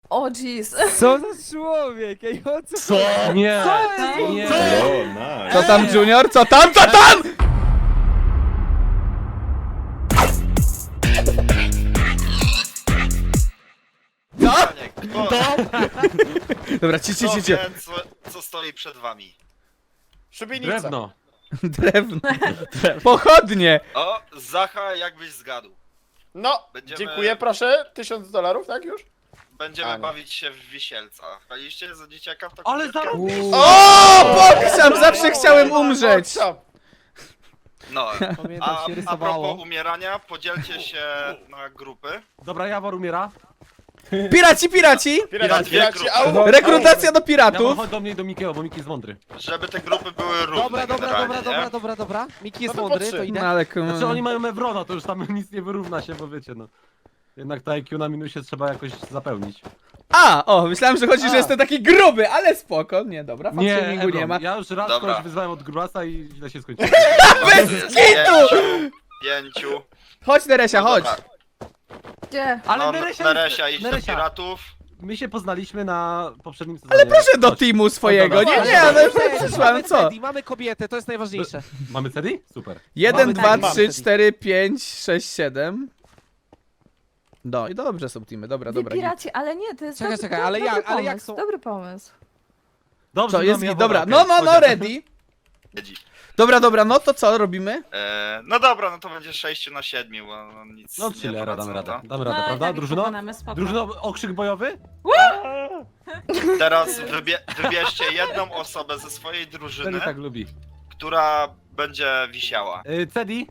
O jeez. Co za człowiek? Ej, o co? Co? Nie, Co? nie. O, nice. Co tam, Junior? Co tam? Co tam? No? Dobra, ci. Co stoi przed wami? Szubienica. Drewno. Drewno. Pochodnie. O, Zacha, jakbyś zgadł. No, Będziemy- dziękuję, proszę. $1000, tak już? Będziemy A, nie. bawić się w wisielca. Graliście za dzieciaka w taką Ale gierkę? zarobiście. O, Boksam, zawsze chciałem umrzeć. No, Pamiętam, się a rysowało. propos umierania, podzielcie się na grupy. Dobra, Jawor umiera. Piraci! Piraci, au! Rekrutacja do Jawor, piratów. chodź do mnie i do Mikiego, bo Miki jest mądry. Żeby te grupy były równe Dobra. Miki jest No to mądry, po to trzy. idę. No ale Znaczy oni mają Evrona, to już tam nic nie wyrówna się, bo wiecie no. Jednak to IQ na minusie trzeba jakoś zapełnić. Myślałem, że chodzi, że jestem taki gruby, ale spoko. Nie, dobra, Nie, faktumingu nie Evron, ma. ja już raz Dobra. kogoś wyzwałem od grubasa i źle się skończyło. Pięciu. Chodź, Neresia, No chodź. dobra. Gdzie? Ale No, Neresia, Neresia idź do Neresia, piratów. my się poznaliśmy na poprzednim sezonie. Ale proszę do Chodź. teamu swojego. Dobra, Nie, dobra. ale przyszłam, Mamy co? Teddy, mamy kobietę, to jest najważniejsze. Mamy CD? Super. 1, Mamy 2, tak, 3, mamy. 4, 5, 6, 7. No i dobrze są teamy, dobra. Wy piraci, ale nie, to jest Czekaj, dobry, czekaj, ale dobry jak- ale jak pomysł, są- Dobry pomysł. Dobrze, Co, jest mamy git, Jawora, dobra. okej. No, Chodź. ready. Jedzi. Dobra, no to co robimy? No dobra, no to będzie 6 na 7, bo no nic No nie chillera, damy poradzą, radę. to. Damy radę, prawda? Drużyno? Drużyno, okrzyk bojowy? Teraz wybierzcie jedną osobę ze swojej Cedi drużyny, tak lubi. która będzie wisiała. Cedi?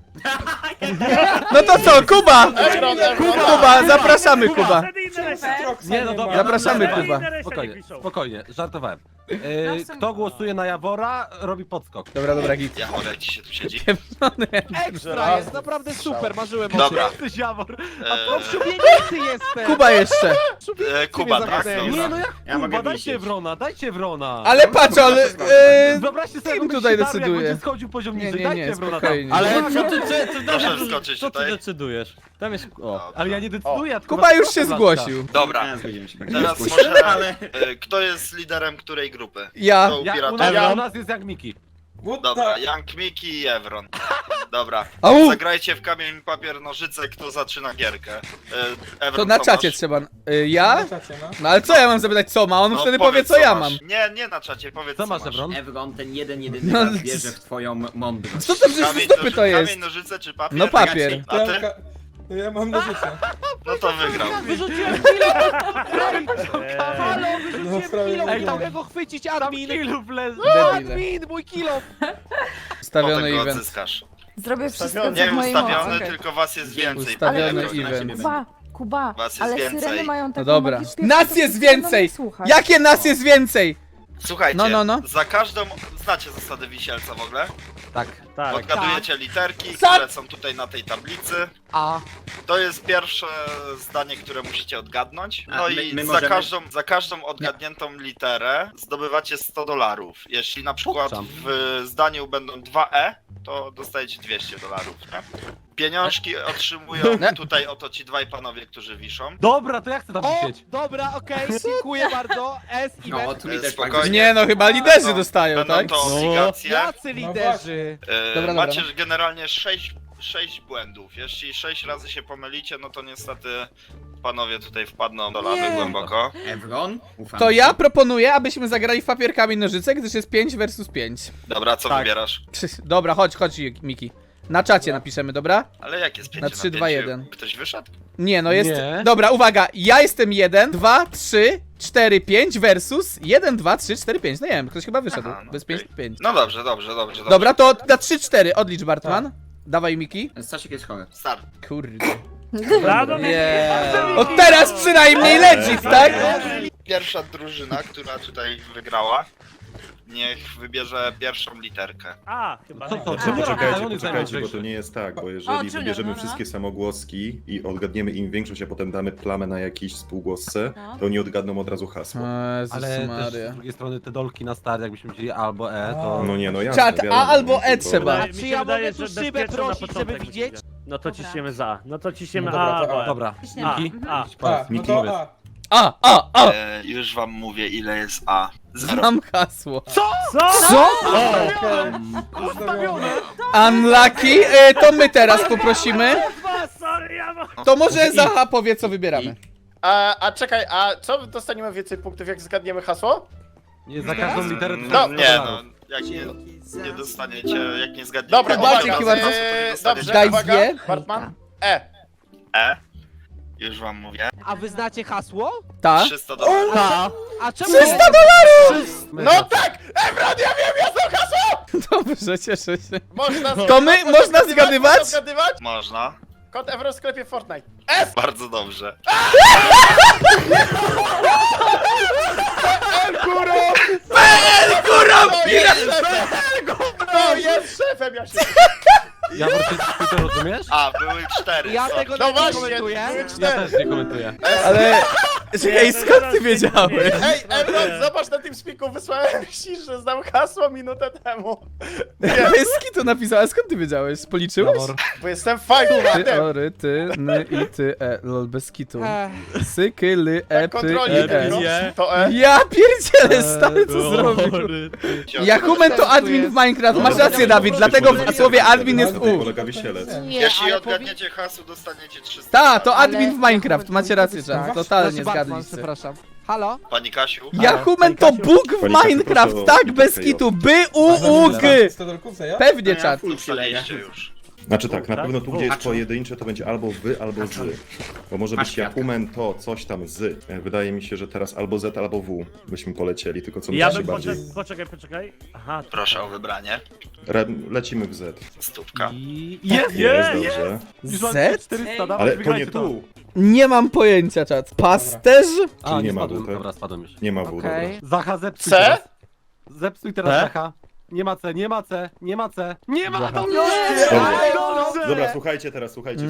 No to co, Kuba! Evron. Kuba, zapraszamy Kuba. Nie, no dobra. Zapraszamy, dobra. Kuba. Spokojnie, żartowałem. Kto głosuje na Jawora, robi podskok. Dobra, git. Ja wolę, jak ci się tu siedzi. Ekstra, jest naprawdę super, marzyłem o Dobra. Jesteś Jawor. tym. W szubienicy jestem! Kuba jeszcze. Kuba, tak? zagadnęli. Nie, no jak Ja mogę Kuba, dajcie wisieć. Wrona, dajcie Wrona. Ale patrz, ale... Wyobraźcie sobie, Team jakby tutaj Shidaru, jak decyduje. będzie schodził poziom Nie, niżej, nie, dajcie Wrona tam. spokojnie. Ale co Proszę wskoczyć co ty tutaj. decydujesz? Tam jest... O. Ale ja nie decyduję, ja tylko Kuba już was się proszę, zgłosił. Dobra, Nie, zgodzimy się. teraz Nie, może... ale... Kto jest liderem której grupy? Ja. To u Ja, piratów. u nas jest jak Miki. Dobra, Young Miki i Evron. Dobra, Au! zagrajcie w kamień, papier, nożyce, kto zaczyna gierkę. Evron, To na co czacie masz? trzeba. Ja? No ale co ja mam zapytać, co ma? On No, wtedy powiedz, powie, co ja masz. mam. Nie na czacie, powiedz Co co masz, masz. Evron? Evron, ten jedyny No, raz wierzy w twoją mądrość. Co to przecież z dupy to jest? Kamień, nożyce czy papier? No papier. A ty? Ja mam nożyce. No to wygrał. Wyrzuciłem kilo! Halo, No, wyrzuciłem prawie kilo! nie Chciał wiem. go chwycić admin! Kilów leży. Debile. Admin, mój kilo! Ustawiony Potem go event. odzyskasz. Zrobię wszystko, Ustawiony. co Nie w mojej ustawiony, mocy. tylko was jest więcej. Ustawiony Evron. event. Kuba, Was jest ale więcej. syreny mają No taką dobra. magiczną Nas piosenkę, jest że będą więcej! jej słuchać. Jakie nas jest więcej? Słuchajcie, No. za każdą... Znacie zasady wisielca w ogóle? Tak. Odgadujecie literki, Co? które są tutaj na tej tablicy. A, To jest pierwsze zdanie, które musicie odgadnąć. A No my i możemy- za każdą odgadniętą literę zdobywacie $100. Jeśli na przykład Pokczam. w zdaniu będą 2 to dostajecie $200, nie? Pieniążki otrzymują tutaj oto ci dwaj panowie, którzy wiszą. Dobra, to ja chcę tam o, wisieć. dobra, okej, dziękuję bardzo. S, No, event. tu mi też Spokojnie. tak Nie no, chyba liderzy Będą- dostają, Będą tak? to obligacje. Jacy liderzy? Dobra, Macie dobra. generalnie 6 błędów. Jeśli 6 razy się pomylicie, no to niestety panowie tutaj wpadną do lawy Nie. głęboko. Evron, ufam To ci. ja proponuję, abyśmy zagrali w papier, kamień, nożyce, gdyż jest 5 versus 5. Dobra, co Tak. wybierasz? Dobra, chodź, Miki. Na czacie napiszemy, dobra? Ale jak jest 5 Na 3, 2, 1. Ktoś wyszedł? Nie, no jest... Nie. Dobra, uwaga, ja jestem 1, 2, 3, 4, 5 versus 1, 2, 3, 4, 5. No nie wiem, ktoś chyba wyszedł. Aha, no Bez okej. 5, 5. No dobrze. Dobra, to na 3, 4 odlicz, Bartman. Dawaj, Miki. Stasiek jest chory. Start. Kurde. Brawo, Od teraz przynajmniej legit, tak? Pierwsza drużyna, która tutaj wygrała, niech wybierze pierwszą literkę. A, chyba. Co to? A. Czemu Poczekajcie, on jest bo to najmądrzejszy? nie jest tak, bo O, jeżeli Junior, wybierzemy no. wszystkie samogłoski i odgadniemy im większość, a potem damy plamę na jakiś współgłosce, No. to oni odgadną od razu hasło. Jezus Ale też Maria. z drugiej strony te dolki na start, jakbyśmy chcieli albo E, to... No nie, no ja. Czat, A albo E trzeba. A Mi czy się ja wydaje, mogę tu że szybę bezpieczną na prosić, początek żeby widzieć? będzie. No to Dobra. ciśniemy za. No to ciśniemy No dobra, A, to A. albo E. Dobra, Ciśniemy. Miki? Mhm. Idź A, powiedz. no Miki, to powiedz. A. A! Już wam mówię, ile jest A. 0. Znam hasło. Co? Ustawione. Unlucky, to my teraz poprosimy. To może Zaha powie, co wybieramy. A czekaj, a co dostaniemy więcej punktów, jak zgadniemy hasło? Nie, za każdą literę to No, Nie no, jak nie dostaniecie, jak nie zgadniecie... Dobra, Bartek, uwaga, chyba to- dobrze, Guys uwaga, wie? Bartman. E. Już wam mówię. A wy znacie hasło? Ta? 300 dolarów. Tak. A czemu? 300 dolarów! No tak! Ebron, ja wiem, ja znam hasło! Dobrze, cieszę się. Można To my, można zgadywać? Można zgadywać? Można. Kod Ebron w sklepie Fortnite. Bardzo dobrze. No jest szefem, ja się... Ja wrócę, ty to rozumiesz? A, były 4. Ja tego No nie właśnie, komentuję. były Ja 4. też nie komentuję. Ale... Czekaj, skąd ty wiedziałeś? Ej, Ebron, zobacz na tym spiku, wysłałem ci, że znam hasło minutę temu. Pyski to napisała, skąd ty wiedziałeś? Policzyłeś? Jawor. Bo jestem fajnym Ty, fanem. ory, ty, ny i ty, lol, bez kitu. Ech, Sy, ky, ly, py, Kontroli, i, to Ja pierdzielę, stary, co zrobił? Jakumen to admin w Minecraft, masz rację, Dawid, dlatego w słowie admin jest Na tym U. polega wisielec. nie, Jeśli ale odgadniecie hasło, dostaniecie 300 Ta, to dolarów. admin w Minecraft, macie rację, czas, totalnie Znaczy Batman, zgadliście. przepraszam. Halo? Pani Kasiu? Jakumen to Bóg w Pani Kasiu, Minecraft, proszę o tak, bez kilka kitu, by, u, g. 100 dolków za ja? Pewnie, Ja czat. full przyleję. Dostaliście już. Znaczy tak, na pewno tu gdzie jest A, pojedyncze to będzie albo wy, albo z. Bo może Masz być kwiatka. Jakumen to coś tam z. Wydaje mi się, że teraz albo Z, albo W byśmy polecieli, tylko co mi Ja się bym bardziej... poczekaj. Aha, Proszę o wybranie. Lecimy w Z. Stówka. Jest! Jest, dobrze. Już mam Z? 400, dawaj, Ale to wygrajcie nie tu. Nie mam pojęcia, czat. Pasterz? A, Czyli nie nie ma spadłem, tutaj. dobra, spadłem już. Nie ma W, dobra. Okej. Zacha, zepsuj C? teraz. Zepsuj teraz C? Zacha. Nie ma C, nie ma C, nie ma C. Nie ma, to Dobra. dobrze! Dobra, słuchajcie teraz, słuchajcie.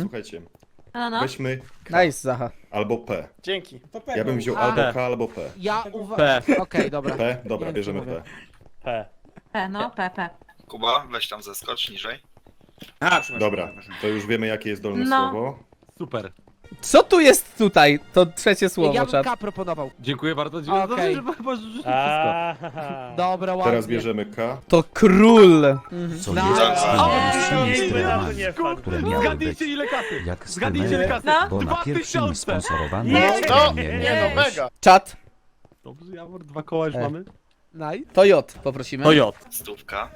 No. Weźmy Nice, Zaha. albo P. Dzięki. To pewno. Ja bym wziął A. albo K, albo P. Ja P. Okej, dobra. P? Dobra, Nie wiem, bierzemy co mówię. P. P. No, Pepe. Kuba, weź tam zeskocz niżej. A, przepraszam. Dobra, przepraszam. to już wiemy jakie jest dolne No. słowo. Super. Co tu jest tutaj? To trzecie słowo, Ja bym czat. K proponował. Dziękuję bardzo, dziękuję. Okej. Dobrze, że możesz rzucić wszystko. Aaaa. Dobra, ładnie. Teraz bierzemy K. To król. Co No. jest O! największymi Nie, sprawami, nie wpadł. które miały być Zgadnijcie ile kasy. jak Zgadnijcie ile skymer, kasy. bo na pierwszym 2000. sponsorowanym No, programie nie no, mega. Czat. Dobrze, Jawor, 2 koła już mamy. Nice. To J poprosimy. To J. Stówka.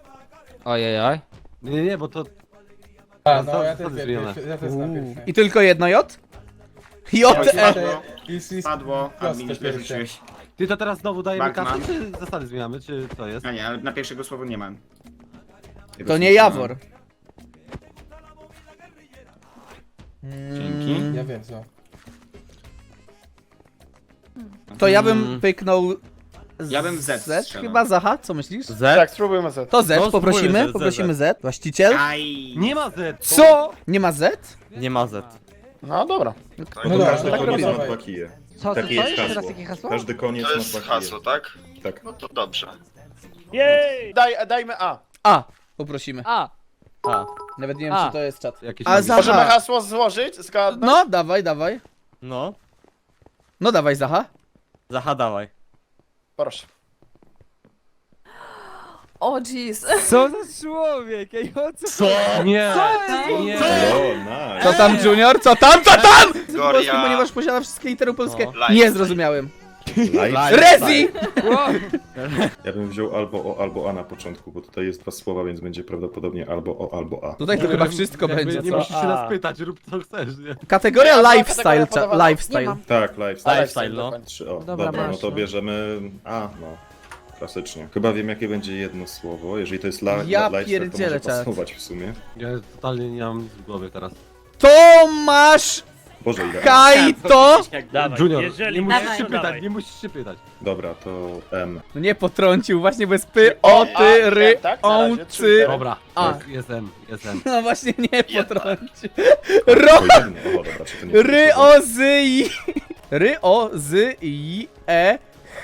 Ojej. Nie, bo to... A, no ja Co też ty zmienione? ja też znam pierwsze. I tylko jedno J? J, E. Padło, admin już Proste wyrzuciłeś. Ty to teraz znowu dajemy Batman. kasę, czy zasady zmieniamy, czy co jest? A nie, ale na pierwszego słowa nie mam. To nie Jawor. Dzięki. Ja wiem co. To ja bym pyknął... Ja bym Z strzelał. chyba Zaha, co myślisz? Z? Tak, spróbujmy Z. To Z, No, poprosimy, spróbujmy Z, poprosimy Z. Właściciel? Aj. Nie ma Z! Co? Nie ma Z? Nie ma Z. No dobra. No No to dobra, każdy tak koniec robimy. ma 2 kije. Co, Takie co jest jeszcze raz hasło. jakie hasło? Każdy koniec To ma jest 2 hasło, kije. tak? Tak. No to dobrze. Jej! Dajmy A. A, poprosimy. A. A. Nawet nie wiem, A. czy to jest czat. Jakieś A mamy- Zaha. Możemy hasło złożyć? Zgadnąć? No, dawaj, dawaj. No. No dawaj, Zaha. Zaha, dawaj. Proszę. O jeez. Co za człowiek? Ej, o co? Nie! Co? Nie! O, nice. Co tam, Junior? Co tam, co tam? Polski, Goria. ponieważ posiada wszystkie litery polskie. No. Nie zrozumiałem. Live. Rezi! Ja bym wziął albo O, albo A na początku, bo tutaj jest 2 słowa, więc będzie prawdopodobnie albo O, albo A. Tutaj to chyba wszystko Jakby będzie, Nie co? musisz się nas pytać, rób co chcesz, nie? Kategoria Ja mam lifestyle, kategorię podawaną. lifestyle. Nie mam. Tak, lifestyle. Lifestyle, no. 3 O. Dobra, Dobra, no masz, to no. bierzemy A, no. Klasycznie. Chyba wiem jakie będzie jedno słowo. Jeżeli to jest Ja lifestyle, to pierdzielę, może czad. pasować w sumie. Ja totalnie nie mam nic w głowie teraz. Tomasz Boże, ile A. Kajto! Dawaj, Junior, jeżeli nie musisz Dawaj. się to dawaj. pytać, nie musisz się pytać. Dobra, to M. No nie potrącił, właśnie bez py, o, ty, ry, tak, na o, razie, trzy cy. litery. Dobra, A. jestem. No właśnie nie Jednak. potrącił. Ro, To jedno. O, dobra, czy to nie ry, o, z, i. Ry, o, z, i, e.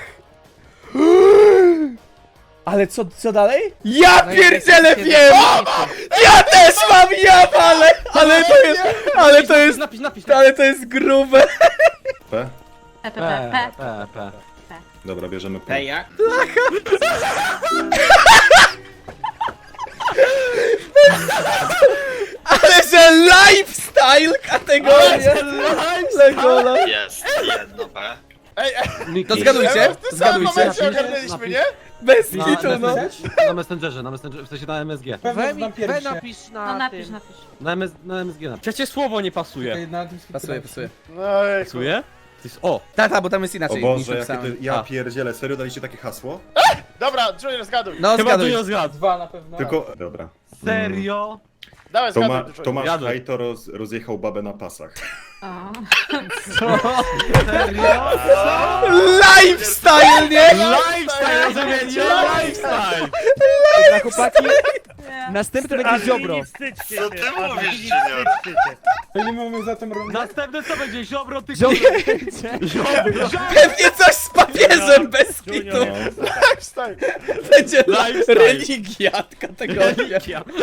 Ale co dalej? Ja No i pierdzielę jest- wiem! Ja też mam ale to jest Napisz. ale to jest grube. P? P, P, P, P. P. Dobra, bierzemy P. Ej, jak? Ale że lifestyle kategoria! Legola. Jest, jedno B. To zgadujcie, W tym samym zgadujcie. momencie ogarnęliśmy, nie? Bez Na, kitu, no. na Messengerze, w sensie na MSG. We napisz na No napisz, tym. napisz. Na MSG napisz. Przecież słowo nie pasuje. Pasuje, pasuje. No i Pasuje? To jest o. Tata, bo tam jest O inaczej. niż Boże, jakie napisane. ty... Ja A. pierdzielę, serio daliście takie hasło? Dobra, Junior, zgaduj. No Chyba zgaduj. Junior zgadł. Dwa na pewno. Tylko... Dobra. Serio? Dawaj, zgaduj, Junior. Tomasz Zgaduj. Hajto rozjechał babę na pasach. O. Serio? Lifestyle, nie? Lifestyle, rozumiecie? Lifestyle! Dobra, chłopaki, Nie. następny będzie Ziobro. Co ty mówisz, Junior? To nie mamy za tym rundę. Następne co będzie? Ziobro, ty Ziobro Ziobro! Pewnie coś z papieżem bez kitu. Wstań. Będzie Lifestyle. religia kategoria.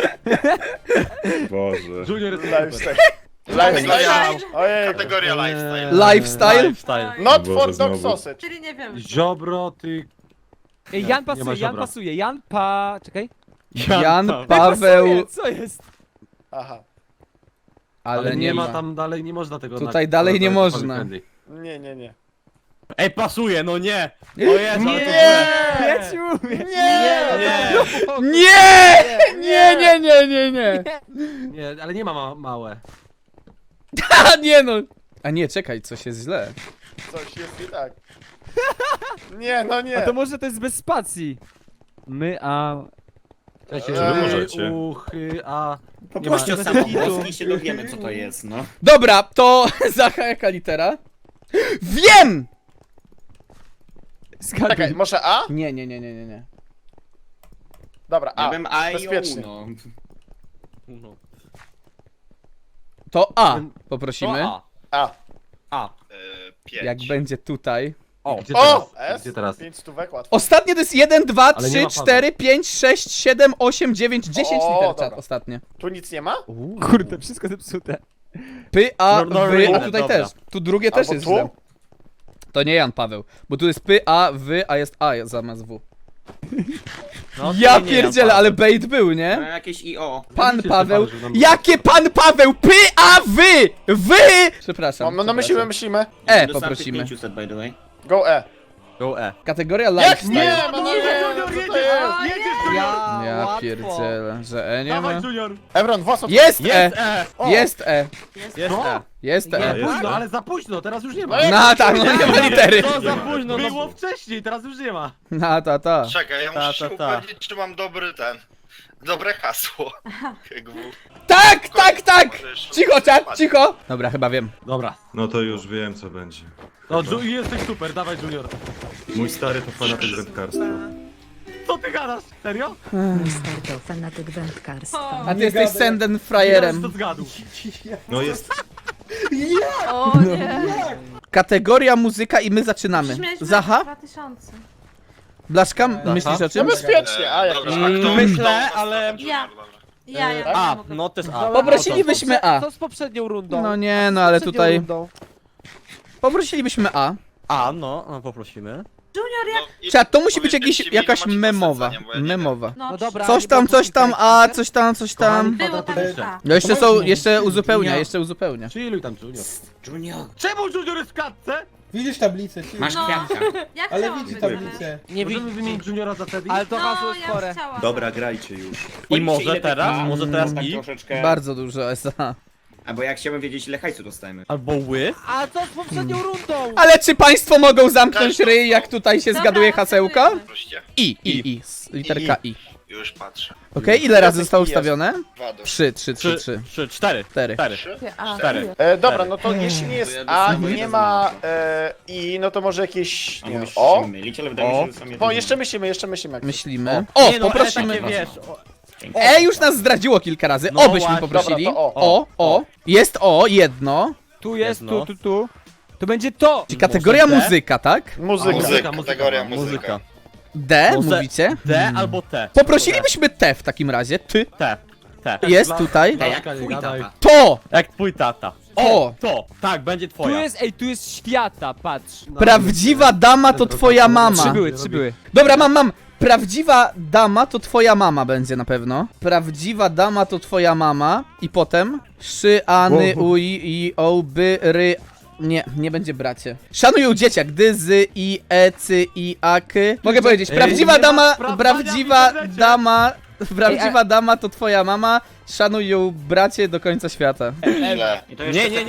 Boże. Junior jest Lifestyle. Lifestyle. Ojej. Kategoria lifestyle. Lifestyle? Lifestyle. Not Boże, for dog znowu. sausage. Czyli nie wiem. Ziobro, ty... Ej, Nie, Jan nie ma pasuje, Jan Ziobra. pasuje. Czekaj. Jan Pasuje, Paweł... co jest? Aha. Ale nie ma. tam dalej, nie można tego... Tutaj dalej nie można. Nie, nie, nie. Ej, pasuje, no nie! O Jezu, ale to Nie! źle. Ja ci mówię. Nie! Nie! Nie! Nie, ale nie ma małe. A nie no! A nie, czekaj, coś jest źle. Coś jest nie tak. Nie, no A nie. to może to jest bez spacji. My, a... Cześć, Ej, możecie. uchy, a... Poproście o ma- samogłoski i się dowiemy, co to jest, no. Dobra, to Zacha jaka litera? Wiem! Czekaj, Zgaduj. może A? Nie. Dobra, Ja A. bym A i o Bezpiecznie. Uno. No. To A To poprosimy. A. A. A. 5. Jak będzie tutaj. O. Gdzie teraz? O! S. Gdzie teraz? 5 stówek, łatwo. Ostatnie to jest 1, 2, Ale nie 3, ma 4, 5, 6, 7, 8, 9, 10 O, liter dobra. czat ostatnie. Tu nic nie ma? Kurde, wszystko zepsute. Py, a, No, no, wy, a no, tutaj dobra. też. Tu drugie też Albo jest tu? źle. To nie Jan Paweł, bo tu jest py, a, wy, a jest a zamiast w. No, Ja to nie pierdzielę, ale bait był, No, nie? jakieś i o. Pan Widzicie, Paweł. że tam- Jakie pan Paweł? Py, a, wy! Wy! Przepraszam. No myślimy, myślimy. E, Dostałem poprosimy. 500, by the way. Go E. Go E. Kategoria Jak lifestyle. nie? No Nie, nie, Junior, co jedziesz! to jest? Jedziesz! Ja łatwo. pierdzielę, że E nie ma. Dawaj, Junior! Evron, włos od... Jest Jest E! E! Jest E! Jest E. Jest Nie, E! jest. późno, ale za późno, teraz już nie ma. No jak- No tak, no nie ma litery. To za późno, no. Było wcześniej, teraz już nie ma. No ta. Czekaj, ja muszę się ta. upewnić, czy mam dobry ten... Dobre hasło. KGW. Tak! Może jeszcze- Cicho, czat, cicho! Dobra, chyba wiem. Dobra. No to już wiem, co będzie. No, jesteś super, dawaj, Junior. Mój stary to fanatyk wędkarstwa. Co ty gadasz? Serio? Stary to fanatyk wędkarstwa. A ty jesteś senden frajerem. To zgadł. No jest... O nie. Kategoria muzyka i my zaczynamy. Przecież mieliśmy Zaha? 2000. Blaszka, myślisz o No czym? bezpiecznie, A jak Dobra, już. a kto Myślę, ale... Ja. Dobra. Ja A, mogę. no to jest A. Poprosilibyśmy A. Co z poprzednią rundą? No nie, no ale Z poprzednią tutaj... rundą. Poprosilibyśmy A. A, no poprosimy. Junior, jak... No, i Czat, to musi być powiedzcie jakiś, mi, ile jakaś macie memowa. posadzenia, bo ja nie wiem. Memowa. No dobra. Coś tam, A, coś tam. Było tam A. No jeszcze są, jeszcze uzupełnia. Chilluj tam, Junior. Junior, Czemu Junior jest w klatce? Widzisz tablicę, ty. masz No. kwiatka. Jak Ale chciałam widzi być tablicę. Nie Możemy wymienić Juniora za Teddy? Ale to hasło No, jest ja chore. chciałam. Dobra, grajcie już. I Powiedzcie, może ile teraz? tych- Może teraz tak i? troszeczkę... Bardzo dużo SA. Albo jak chciałbym wiedzieć, ile hajsu dostajemy. Albo ły? A co z poprzednią rundą? Ale czy państwo mogą zamknąć ryj, jak tutaj się Dobra, zgaduje hasełka? Proście. I. Literka I. Już patrzę. Okej, ile razy zostało Jest. ustawione? 2 do 3, 3, 4. 4. 3. A, 4. Dobra, no to jeśli nie jest To ja A dostaję i nie jeden ma I, no to może jakieś... A Nie, mówisz, o? musimy mylić, ale wydaje mi się, że są Bo jeszcze myślimy. Jak Myślimy. O, O, nie, no, poprosimy. takie, wiesz, o, E już nas zdradziło kilka razy. No O byśmy właśnie. poprosili. Dobra, to O. Jest O, jedno. Tu jest, Jedno. tu. To będzie to! Czyli kategoria Może D? muzyka, tak? Muzyka. Kategoria muzyka. muzyka. D, Może- mówicie? D albo T. Poprosilibyśmy T w takim razie. Ty. T. T. Jest tutaj. Ej, jak Blaszka, nie twój gadaj. tata. To! Jak twój tata. O! To! Tak, będzie Tu twoja. jest, ej, tu jest świata, patrz. Prawdziwa dama to twoja mama. Trzy były. Dobra, mam. Prawdziwa dama to twoja mama będzie na pewno. Prawdziwa dama to twoja mama. I potem szy, any, uj, i, o, by, ry. Nie będzie bracie. Szanują dzieciak. Dy, zy, i, e, cy, i, a, k. Mogę powiedzieć, prawdziwa nie ma dama, sprawdzania prawdziwa w internecie. dama. Prawdziwa dama to twoja mama. Szanuj ją bracie do końca świata. Źle. I to jeszcze Nie,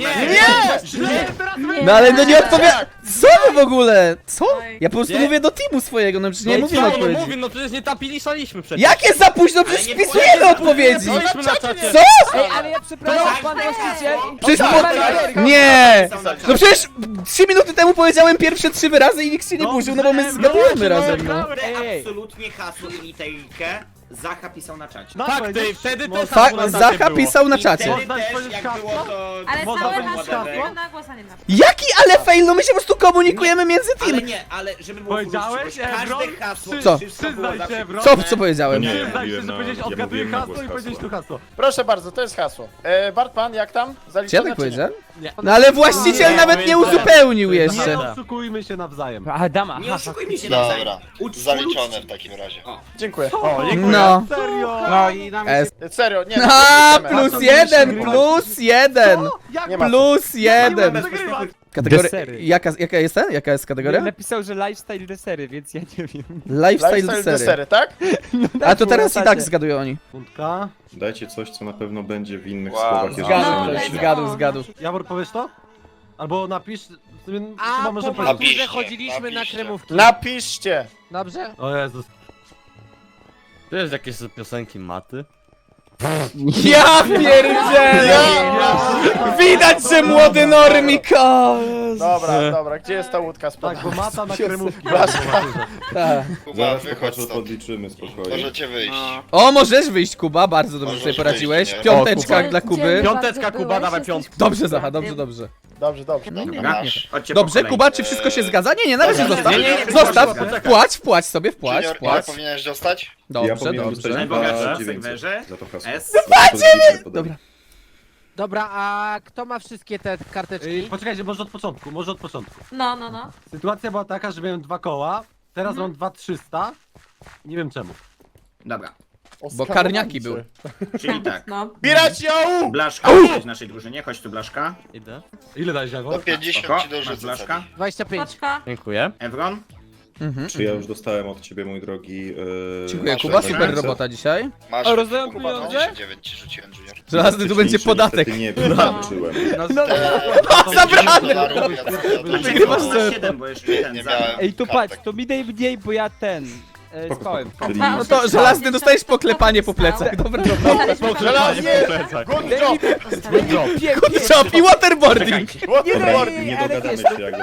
tak No ale no nie odpowiada. Co wy w ogóle? Co? Oj. Ja po prostu Nie. mówię do teamu swojego, no przecież nie mówię no odpowiedzi. mówię, no przecież nie tapiliśmy przecież. Jakie za późno? Przecież nie wpisujemy powiedział, odpowiedzi! Byliśmy na czacie. Co? Ej, ale ja przepraszam, pan właściciel. Przecież Tak, po... Nie! No przecież 3 minuty temu powiedziałem pierwsze 3 wyrazy i nikt się nie burzył, no bo my zgadujemy razem, no. Ej. absolutnie hasło i literkę Zacha pisał na czacie. Tak, ty, wtedy też Fa na czacie Zacha było. pisał na I czacie. wtedy Można też, powiedzieć jak hasło? było to... Ale Można całe powiedzieć hasło, whatever. tylko na głos, a nie na Jaki ale fail? No my się po prostu komunikujemy między Ale team. nie, ale żeby było Powiedziałeś, uczciwość, Ebron? każde hasło, Co? wszystko było Przyznaj zawsze się, Ebron. Co powiedziałem? Nie, Przyznaj się, mówiłem że na- powiedziałeś ja odgaduję mówiłem na hasło głos i powiedziałeś tu hasło. hasło. Proszę bardzo, to jest hasło. Bartman, jak tam? Czy ja Zaliczone tak czy powiedziałem? Nie. No ale właściciel Nie, nawet nie nie, uzupełnił Nie jeszcze. oszukujmy się nawzajem. A, dama. Nie oszukujmy się nawzajem. Dobra, Uczciwość. zaliczone w takim razie. Dziękuję. O, No. Serio? No i na S. Serio, nie. A, nie plus 1! Jak Nie ma Plus nie 1! umiem wygrywać? Kategoria... Desery. Jaka jest ten? Jaka jest kategoria? Napisał, że lifestyle desery, więc ja nie wiem. Lifestyle Lifestyle desery. desery, tak? A to teraz było i na tak czacie. zgadują oni. Fundka. Dajcie coś, co na pewno będzie w innych Wow. słowach, jeżeli Zgadł, się let's mylicie. go. zgadł. Jawor, powiesz to? Albo napisz... A, Chyba może po powiedzieć. Napiszcie, że chodziliśmy na napiszcie. kremówki. Napiszcie. Dobrze? O Jezus. To jest jakieś piosenki maty? Ja pierdzielę! Widać, że młody normiko! Dobra, gdzie jest ta łódka z Tak, bo mata na kremówki. Tak. Kuba, Zaraz wychodź popatrzę, stąd. podliczymy spokojnie. Możecie wyjść. O, możesz wyjść, Kuba, bardzo dobrze Możesz sobie poradziłeś. wyjść, nie? Piąteczka dla Kuby. Piąteczka, Kuba, dawaj piątkę. Dobrze, Zacha, dobrze. Dobrze. Dobra, Dobra, masz. chodźcie po Dobrze, kolei. Kuba, czy wszystko się zgadza? Nie, na razie Dobra, zostaw. nie, Zostaw, poczekaj. wpłać sobie, wpłać. Junior, ile powinieneś dostać? Ja Dobrze, powinienem dostać dobrze. Najbogatszy 2900 serwerze. za to hasło. S. Dobra. Dobra, a kto ma wszystkie te karteczki? Poczekajcie, może od początku, No. Sytuacja była taka, że miałem 2 koła, teraz mam 2300. Nie wiem czemu. Dobra, Bo karniaki były. czyli tak. No. Bierać ją! Blaszka, jesteś w naszej drużynie, chodź tu Blaszka. Idę. Ile dałeś, Do Jawor? 50 Spoko, ci masz dorzucę. Blaszka. 25. Paczka. Dziękuję. Evron. Czy ja już dostałem od ciebie, mój drogi... Dziękuję, Masz Kuba, ręce. super robota dzisiaj. Masz, O, rozdają Kuba, pieniądze? 29 ci rzuciłem, Junior. Żelazny tu będzie podatek. Nie wiem, zobaczyłem. Zabrane! Wygrywasz 7, bo jeszcze ten Nie za... miałem Ej, to kartek. patrz, to mi daj mniej, bo ja ten... Spoko, spałem. spoko. Czyli No to żelazny dostajesz poklepanie po plecach. Dobra, Żelaznie! Good job! Chop i waterboarding! dobra, nie dogadamy się jakby.